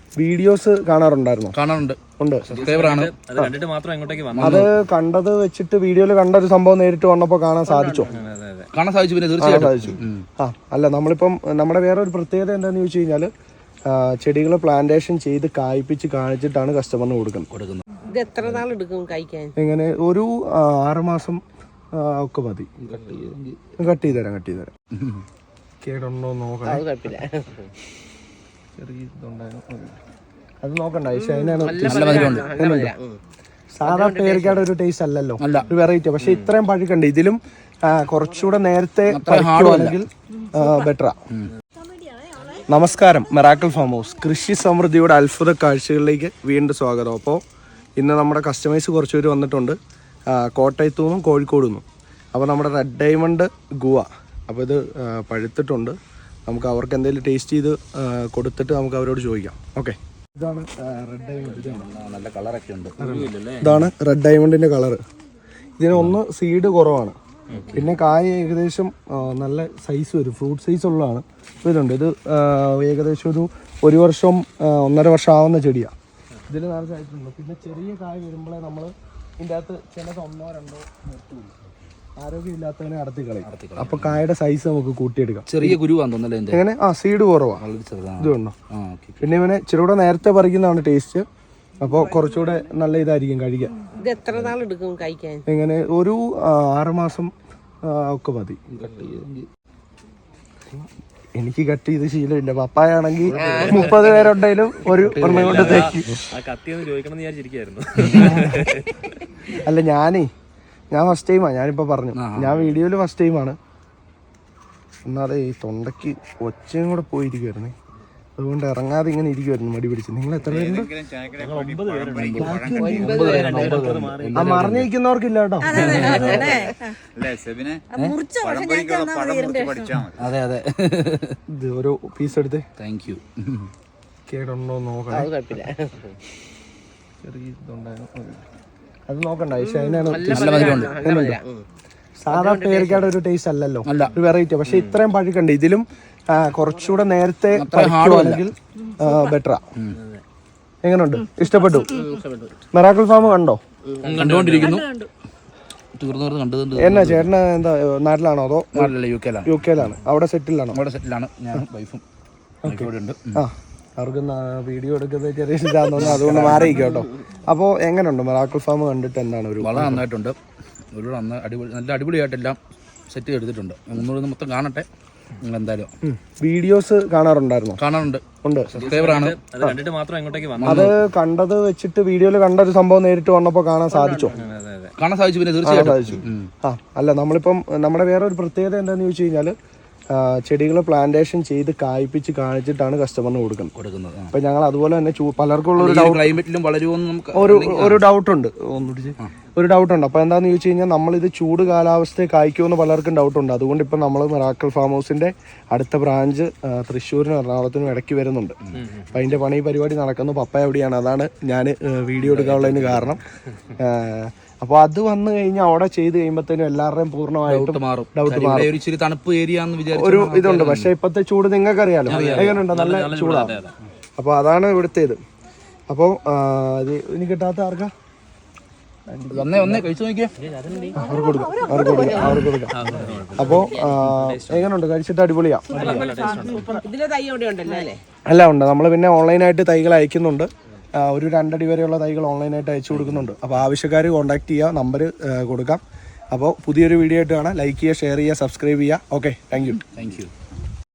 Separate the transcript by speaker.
Speaker 1: Videos കാണാറുണ്ടായിരുന്നോ?
Speaker 2: കാണാറുണ്ട്.
Speaker 1: അത് കണ്ടത് വെച്ചിട്ട് വീഡിയോയിൽ കണ്ട ഒരു സംഭവം നേരിട്ട് വന്നപ്പോൾ കാണാൻ സാധിച്ചോ?
Speaker 2: കാണാൻ സാധിച്ചു. പിന്നെ തീർച്ചയായിട്ടും
Speaker 1: അല്ല, നമ്മളിപ്പം നമ്മുടെ വേറെ ഒരു പ്രത്യേകത എന്താണെന്ന് ചോദിച്ചു കഴിഞ്ഞാൽ ചെടികൾ പ്ലാന്റേഷൻ ചെയ്ത് കായ്പിച്ച് കാണിച്ചിട്ടാണ് കസ്റ്റമറിന് കൊടുക്കുന്നത്.
Speaker 3: ഇത് എത്ര നാളെടുക്കും കഴിക്കാൻ?
Speaker 1: എങ്ങനെ ഒരു 6 മാസം ഒക്കെ മതി. കട്ട് ചെയ്ത് തരാം. കേടുണ്ടോ നോക്കണം. അത് നോക്കണ്ട. പക്ഷെ അതിനാണ് സാധാ പേരക്കയുടെ ഒരു ടേസ്റ്റ് അല്ലല്ലോ, ഒരു വെറൈറ്റി. പക്ഷെ ഇത്രയും പഴുക്കണ്ട്. ഇതിലും കുറച്ചുകൂടെ നേരത്തെ പഴുക്കുകയാണെങ്കിൽ ബെറ്ററാ. നമസ്കാരം, മെറാക്കിൾ ഫാം ഹൗസ് കൃഷി സമൃദ്ധിയുടെ അത്ഭുത കാഴ്ചകളിലേക്ക് വീണ്ടും സ്വാഗതം. അപ്പോൾ ഇന്ന് നമ്മുടെ കസ്റ്റമേഴ്സ് കുറച്ച് പേര് വന്നിട്ടുണ്ട്, കോട്ടയത്തു നിന്നും കോഴിക്കോട് നിന്നും. അപ്പോൾ നമ്മുടെ റെഡ് ഡയമണ്ട് ഗുവ, അപ്പോൾ ഇത് പഴുത്തിട്ടുണ്ട്. നമുക്ക് അവർക്ക് എന്തെങ്കിലും ടേസ്റ്റ് ചെയ്ത് കൊടുത്തിട്ട് നമുക്ക് അവരോട് ചോദിക്കാം. ഓക്കെ, ഇതാണ് റെഡ് ഡയമണ്ട്.
Speaker 2: നല്ല കളറൊക്കെ ഉണ്ട്.
Speaker 1: ഇതാണ് റെഡ് ഡയമണ്ടിൻ്റെ കളറ്. ഇതിനൊന്ന് സീഡ് കുറവാണ്, പിന്നെ കായ ഏകദേശം നല്ല സൈസ് വരും, ഫ്രൂട്ട് സൈസ് ഉള്ളതാണ്. ഇതുണ്ട്, ഇത് ഏകദേശം ഒരു വർഷം 1.5 വർഷം ആവുന്ന ചെടിയാണ്. ഇതിൽ നിറച്ചായിട്ടുണ്ട്. പിന്നെ ചെറിയ കായ വരുമ്പോഴേ നമ്മൾ ഇതിൻ്റെ അകത്ത് ചിലത് 1-2 നിർത്തുള്ളൂ. ആരോഗ്യമില്ലാത്തവനെ അടത്തി കളയും. അപ്പൊ കായയുടെ സൈസ് നമുക്ക് കൂട്ടിയെടുക്കാം.
Speaker 2: ചെറിയ കുരുവാന്ന് തോന്നുന്നല്ലേ?
Speaker 1: എങ്ങനെ? സീഡ് കുറവാണ്. ഇതുണ്ടോ? പിന്നെ ഇവനെ ഇച്ചിരൂടെ നേരത്തെ പറിക്കുന്നതാണ് ടേസ്റ്റ്. അപ്പോൾ കുറച്ചുകൂടെ നല്ല ഇതായിരിക്കും കഴിക്കാൻ.
Speaker 3: ഇത് എത്ര നാളെടുക്കും കഴിക്കാൻ?
Speaker 1: എങ്ങനെ? ഒരു 6 മാസം ഒക്കെ മതി. എനിക്ക് കട്ട് ചെയ്ത് ശീലമില്ല. പപ്പായാണെങ്കിൽ 30 പേരുണ്ടെങ്കിലും ഒരു ഒരെണ്ണം കൊണ്ട് തേക്കും. അല്ല, ഞാൻ ഫസ്റ്റ് ടൈമാണ്. ഞാനിപ്പോൾ പറഞ്ഞു, ഞാൻ വീഡിയോയിൽ ഫസ്റ്റ് ടൈമാണ്. എന്നാലേ ഈ തൊണ്ടയ്ക്ക് ഒച്ചയും കൂടെ പോയിരിക്കുമായിരുന്നേ, അതുകൊണ്ട് ഇറങ്ങാതെ ഇങ്ങനെ ഇരിക്കുമായിരുന്നു മടി പിടിച്ച്. നിങ്ങൾ എത്ര പേരുണ്ട്? മറിഞ്ഞിരിക്കുന്നവർക്കില്ല കേട്ടോ.
Speaker 2: അതെ,
Speaker 1: ഇത് ഓരോ പീസ് എടുത്ത്.
Speaker 2: Thank you.
Speaker 1: കേടുണ്ടോ നോക്കണം. അത് നോക്കണ്ട. പക്ഷെ അതിനാണ് സാധാ പേരക്കയുടെ ഒരു ടേസ്റ്റ് അല്ലല്ലോ, ഒരു വെറൈറ്റി. പക്ഷെ ഇത്രയും പഴുക്കണ്ട്. ഇതിലും കുറച്ചുകൂടെ നേരത്തെ പഴുക്കുകയാണെങ്കിൽ ബെറ്ററാ. എങ്ങനെയുണ്ട്? ഇഷ്ടപ്പെട്ടു? മെറാക്കിൾ ഫാം കണ്ടോ?
Speaker 2: കണ്ടുകൊണ്ടിരിക്കുന്നു.
Speaker 1: എന്നാ ചേട്ടന് എന്താ നാട്ടിലാണോ അതോ
Speaker 2: യു
Speaker 1: കെയിലാണ്? അവിടെ സെറ്റിലാണോ?
Speaker 2: ഞാൻ വൈഫും ഉണ്ട്.
Speaker 1: അവർക്ക് വീഡിയോ എടുക്കുന്നത് ചെറിയ ഇതാന്ന് തോന്നുന്നു, അതുകൊണ്ട് മാറിയിരിക്കും കേട്ടോ. അപ്പോൾ എങ്ങനെയുണ്ട് മെറാക്കിൾ ഫാം കണ്ടിട്ട്? എന്താണ് ഒരു
Speaker 2: വളരെ നന്നായിട്ടുണ്ട്. നല്ല അടിപൊളിയായിട്ടെല്ലാം സെറ്റ് ചെയ്തിട്ടുണ്ട്. ഒന്നുകൂടി മൊത്തം കാണട്ടെ. എന്തായാലും
Speaker 1: വീഡിയോസ് കാണാറുണ്ടായിരുന്നോ?
Speaker 2: കാണാറുണ്ട്. സബ്സ്ക്രൈബറാണ്.
Speaker 1: അത് കണ്ടത് വെച്ചിട്ട് വീഡിയോയിൽ കണ്ട ഒരു സംഭവം നേരിട്ട് വന്നപ്പോൾ കാണാൻ സാധിച്ചോ?
Speaker 2: കാണാൻ സാധിച്ചു. പിന്നെ തീർച്ചയായിട്ടും
Speaker 1: അല്ല, നമ്മളിപ്പം നമ്മുടെ വേറെ ഒരു പ്രത്യേകത എന്താണെന്ന് ചോദിച്ചു കഴിഞ്ഞാൽ ചെടികൾ പ്ലാന്റേഷൻ ചെയ്ത് കായ്പിച്ച് കാണിച്ചിട്ടാണ് കസ്റ്റമറിന് കൊടുക്കുന്നത്. അപ്പൊ ഞങ്ങൾ അതുപോലെ തന്നെ പലർക്കും ഉള്ള
Speaker 2: ക്ലൈമറ്റിലും വളരുമെന്ന്
Speaker 1: ഒരു ഡൗട്ടുണ്ട്. ഒരു ഡൗട്ടുണ്ട്. അപ്പോൾ എന്താണെന്ന് ചോദിച്ചു കഴിഞ്ഞാൽ നമ്മളിത് ചൂട് കാലാവസ്ഥയെ കായ്ക്കുമെന്ന് പലർക്കും ഡൗട്ടുണ്ട്. അതുകൊണ്ട് ഇപ്പം നമ്മൾ മെറാക്കിൾ ഫാം ഹൗസിന്റെ അടുത്ത ബ്രാഞ്ച് തൃശ്ശൂരിനും എറണാകുളത്തിനും ഇടയ്ക്ക് വരുന്നുണ്ട്. അപ്പം അതിന്റെ പരിപാടി നടക്കുന്നു. പപ്പ എവിടെയാണ്? അതാണ് ഞാൻ വീഡിയോ എടുക്കാനുള്ളതിന് കാരണം. അപ്പോൾ അത് വന്നു കഴിഞ്ഞാൽ അവിടെ ചെയ്ത് കഴിയുമ്പോഴത്തേനും എല്ലാവരുടെയും പൂർണ്ണമായിട്ടും ഡൗട്ട് മാറും. ഒരു ഇതുണ്ട്. പക്ഷെ ഇപ്പോഴത്തെ ചൂട് നിങ്ങൾക്കറിയാലോ എങ്ങനെയുണ്ടോ? നല്ല ചൂടാണ്. അപ്പോൾ അതാണ് ഇവിടുത്തെ ഇത്. അപ്പോൾ ഇത് ഇനി കിട്ടാത്ത ആർക്കാ?
Speaker 2: കഴിച്ചു നോക്കിയാ
Speaker 1: അവർക്ക് കൊടുക്കാം. അപ്പോ എങ്ങനെയുണ്ട്? കഴിച്ചിട്ട് അടിപൊളിയാ. എല്ലാം ഉണ്ട്. നമ്മൾ പിന്നെ ഓൺലൈനായിട്ട് തൈകൾ അയക്കുന്നുണ്ട്. ഒരു 2 അടി വരെയുള്ള തൈകൾ ഓൺലൈനായിട്ട് അയച്ചു കൊടുക്കുന്നുണ്ട്. അപ്പോൾ ആവശ്യക്കാർ കോൺടാക്ട് ചെയ്യുക, നമ്പർ കൊടുക്കാം. അപ്പോൾ പുതിയൊരു വീഡിയോ ആയിട്ട് കാണാം. ലൈക്ക് ചെയ്യുക, ഷെയർ ചെയ്യുക, സബ്സ്ക്രൈബ് ചെയ്യുക. Okay, thank U.